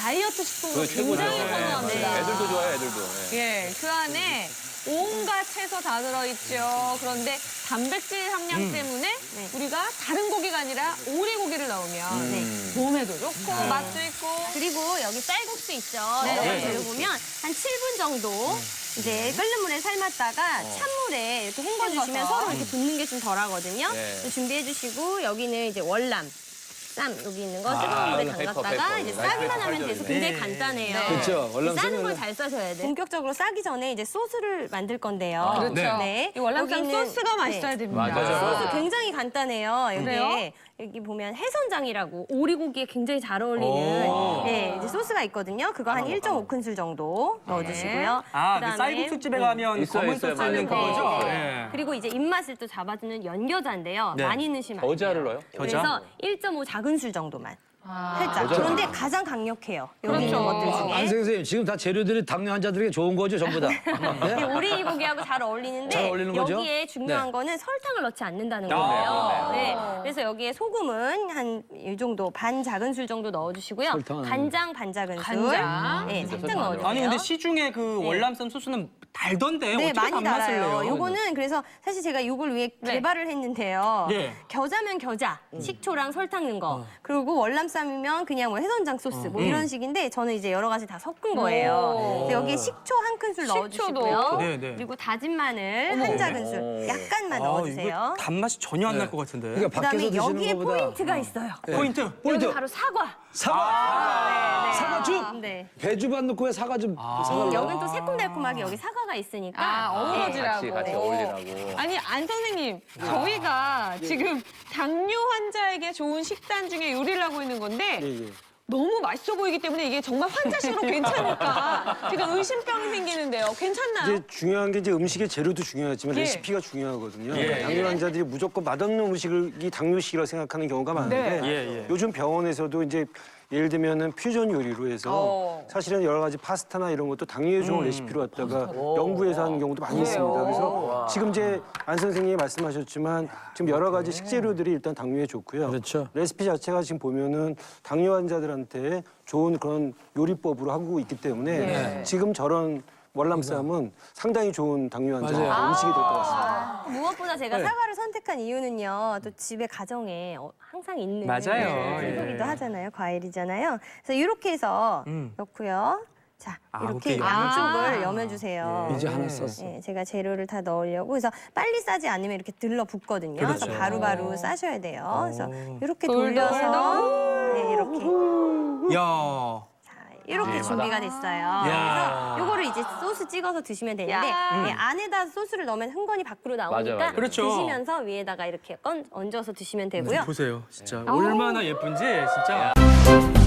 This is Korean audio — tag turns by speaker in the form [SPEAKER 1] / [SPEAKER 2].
[SPEAKER 1] 다이어트 식품으로
[SPEAKER 2] 그거 최고죠.
[SPEAKER 1] 굉장히
[SPEAKER 2] 네,
[SPEAKER 1] 선호합니다.
[SPEAKER 2] 애들도 좋아해요, 애들도. 네.
[SPEAKER 1] 예, 그 안에 온갖 채소 다 들어있죠. 그런데 단백질 함량 때문에 우리가 다른 고기가 아니라 오리고기를 넣으면 몸에도 좋고 맛도 있고.
[SPEAKER 3] 그리고 여기 쌀국수 있죠.
[SPEAKER 1] 네.
[SPEAKER 3] 여기 재료 보면 한 7분 정도 이제 끓는 물에 삶았다가 찬물에 이렇게 헹궈주시면
[SPEAKER 1] 헹궈서.
[SPEAKER 3] 서로 이렇게 붙는 게 좀 덜하거든요.
[SPEAKER 2] 네.
[SPEAKER 3] 준비해주시고 여기는 이제 월남. 쌈 여기 있는 거 뜨거운 물에
[SPEAKER 2] 페이퍼,
[SPEAKER 3] 담갔다가
[SPEAKER 2] 페이퍼.
[SPEAKER 3] 이제
[SPEAKER 2] 라이스
[SPEAKER 3] 싸기만
[SPEAKER 2] 페이퍼
[SPEAKER 3] 하면 돼서
[SPEAKER 2] 팔죠,
[SPEAKER 3] 굉장히
[SPEAKER 1] 네.
[SPEAKER 3] 간단해요.
[SPEAKER 1] 네.
[SPEAKER 4] 그렇죠. 월남
[SPEAKER 3] 싸는
[SPEAKER 4] 쓰면은-
[SPEAKER 3] 걸 잘 싸셔야 돼. 본격적으로 싸기 전에 이제 소스를 만들 건데요.
[SPEAKER 1] 그렇죠.
[SPEAKER 3] 네.
[SPEAKER 1] 이 월남쌈
[SPEAKER 3] 여기는-
[SPEAKER 1] 소스가 맛있어야 됩니다.
[SPEAKER 2] 맞아요.
[SPEAKER 3] 소스 굉장히 간단해요.
[SPEAKER 1] 그래요?
[SPEAKER 3] 여기 보면 해선장이라고 오리고기에 굉장히 잘 어울리는 네, 이제 소스가 있거든요. 그거 한 1.5큰술 정도 넣어주시고요.
[SPEAKER 5] 아, 그
[SPEAKER 3] 그다음에
[SPEAKER 5] 쌀국수집에 가면
[SPEAKER 2] 있어요,
[SPEAKER 5] 검은
[SPEAKER 2] 있어요.
[SPEAKER 5] 소스 있는
[SPEAKER 2] 맞아요.
[SPEAKER 5] 그거죠?
[SPEAKER 3] 네.
[SPEAKER 5] 네.
[SPEAKER 3] 그리고 이제 입맛을 또 잡아주는 연겨자인데요.
[SPEAKER 5] 네.
[SPEAKER 3] 많이 넣으시면 안 돼요.
[SPEAKER 2] 겨자를 넣어요?
[SPEAKER 3] 그래서 1.5 작은술 정도만. 살짝. 그런데 가장 강력해요. 여기 있는
[SPEAKER 1] 그렇죠.
[SPEAKER 3] 것들 중에.
[SPEAKER 4] 안 선생님 지금 다 재료들이 당뇨 환자들에게 좋은 거죠, 전부 다.
[SPEAKER 3] 이
[SPEAKER 4] 네?
[SPEAKER 3] 오리고기하고 잘 어울리는데
[SPEAKER 4] 잘 어울리는 거죠?
[SPEAKER 3] 여기에 중요한
[SPEAKER 4] 네.
[SPEAKER 3] 거는 설탕을 넣지 않는다는
[SPEAKER 5] 아,
[SPEAKER 3] 거예요. 네. 그래서 여기에 소금은 한 이 정도 반 작은술 정도 넣어주시고요.
[SPEAKER 4] 설탕은
[SPEAKER 3] 간장 반 작은술.
[SPEAKER 1] 간장?
[SPEAKER 3] 네,
[SPEAKER 2] 진짜
[SPEAKER 3] 살짝
[SPEAKER 2] 설탕 안
[SPEAKER 3] 넣어주세요.
[SPEAKER 5] 아니 근데 시중에 그 월남쌈 소스는 달던데
[SPEAKER 3] 네,
[SPEAKER 5] 어떻게
[SPEAKER 3] 많이
[SPEAKER 5] 단맛을
[SPEAKER 3] 달아요.
[SPEAKER 5] 내요?
[SPEAKER 3] 요거는 그래서 사실 제가 요걸 위해
[SPEAKER 1] 네.
[SPEAKER 3] 개발을 했는데요.
[SPEAKER 5] 예.
[SPEAKER 3] 겨자면 겨자, 식초랑 설탕 넣은 거. 그리고 월남쌈이면 그냥 뭐 해선장 소스 뭐 이런 식인데 저는 이제 여러 가지 다 섞은 거예요. 그래서 여기에 식초 한 큰술 넣어주시고요.
[SPEAKER 5] 네, 네.
[SPEAKER 3] 그리고 다진 마늘 한 작은술 약간만
[SPEAKER 5] 아,
[SPEAKER 3] 넣어주세요.
[SPEAKER 5] 이거 단맛이 전혀 안 날 것 같은데.
[SPEAKER 4] 그러니까 밖에서
[SPEAKER 3] 그다음에
[SPEAKER 4] 드시는
[SPEAKER 3] 여기에
[SPEAKER 4] 것보다
[SPEAKER 3] 포인트가 있어요.
[SPEAKER 5] 포인트.
[SPEAKER 4] 포인트.
[SPEAKER 3] 여기 바로 사과.
[SPEAKER 4] 사과. 사과즙.
[SPEAKER 3] 네.
[SPEAKER 4] 배즙 안 넣고 왜 사과즙? 사과를
[SPEAKER 3] 여기는 또 새콤달콤하게 여기 사과가 있으니까.
[SPEAKER 1] 아, 어우러지라고.
[SPEAKER 2] 같이 어울리라고.
[SPEAKER 1] 아니, 안 선생님, 저희가 지금 당뇨 환자에게 좋은 식단 중에 요리를 하고 있는 건데 너무 맛있어 보이기 때문에 이게 정말 환자식으로 괜찮을까 지금 의심병이 생기는데요. 괜찮나요?
[SPEAKER 6] 이제 중요한 게 이제 음식의 재료도 중요하지만
[SPEAKER 1] 예.
[SPEAKER 6] 레시피가 중요하거든요.
[SPEAKER 5] 예,
[SPEAKER 6] 당뇨
[SPEAKER 5] 예.
[SPEAKER 6] 환자들이 무조건 맛없는 음식이 당뇨식이라고 생각하는 경우가 많은데
[SPEAKER 1] 네.
[SPEAKER 5] 예, 예.
[SPEAKER 6] 요즘 병원에서도 이제 예를 들면은 퓨전 요리로 해서 사실은 여러 가지 파스타나 이런 것도 당뇨에 좋은 레시피로 갖다가 연구해서 하는 경우도 많이 있습니다. 그래서 지금 이제 안 선생님이 말씀하셨지만 지금 여러 가지 식재료들이 일단 당뇨에 좋고요.
[SPEAKER 4] 그렇죠.
[SPEAKER 6] 레시피 자체가 지금 보면은 당뇨 환자들한테 좋은 그런 요리법으로 하고 있기 때문에 지금 저런 월남쌈은 상당히 좋은 당뇨 환자
[SPEAKER 4] 맞아요.
[SPEAKER 6] 음식이 될 것 같습니다.
[SPEAKER 3] 무엇보다 제가
[SPEAKER 4] 네.
[SPEAKER 3] 사과를 선택한 이유는요. 또 집에 가정에 항상 있는
[SPEAKER 5] 맞아요.
[SPEAKER 3] 채소기도
[SPEAKER 5] 예.
[SPEAKER 3] 하잖아요. 과일이잖아요. 그래서 이렇게 해서 넣고요. 자,
[SPEAKER 5] 아,
[SPEAKER 3] 이렇게
[SPEAKER 5] 오케이.
[SPEAKER 3] 양쪽을 여며주세요.
[SPEAKER 4] 이제 하나 썼어.
[SPEAKER 3] 네, 제가 재료를 다 넣으려고 그래서 빨리 싸지 않으면 이렇게 들러붙거든요. 그래서
[SPEAKER 5] 그렇죠.
[SPEAKER 3] 바로바로 싸셔야 돼요. 그래서 이렇게
[SPEAKER 1] 돌돌돌.
[SPEAKER 3] 돌려서 네, 이렇게
[SPEAKER 5] 야.
[SPEAKER 3] 이렇게 준비가 됐어요.
[SPEAKER 5] 야.
[SPEAKER 3] 그래서 요거를 이제 소스 찍어서 드시면 되는데 네, 안에다 소스를 넣으면 흥건히 밖으로 나오니까
[SPEAKER 2] 맞아요.
[SPEAKER 5] 그렇죠.
[SPEAKER 3] 드시면서 위에다가 이렇게 얹어서 드시면 되고요.
[SPEAKER 5] 보세요. 진짜 얼마나 예쁜지 진짜.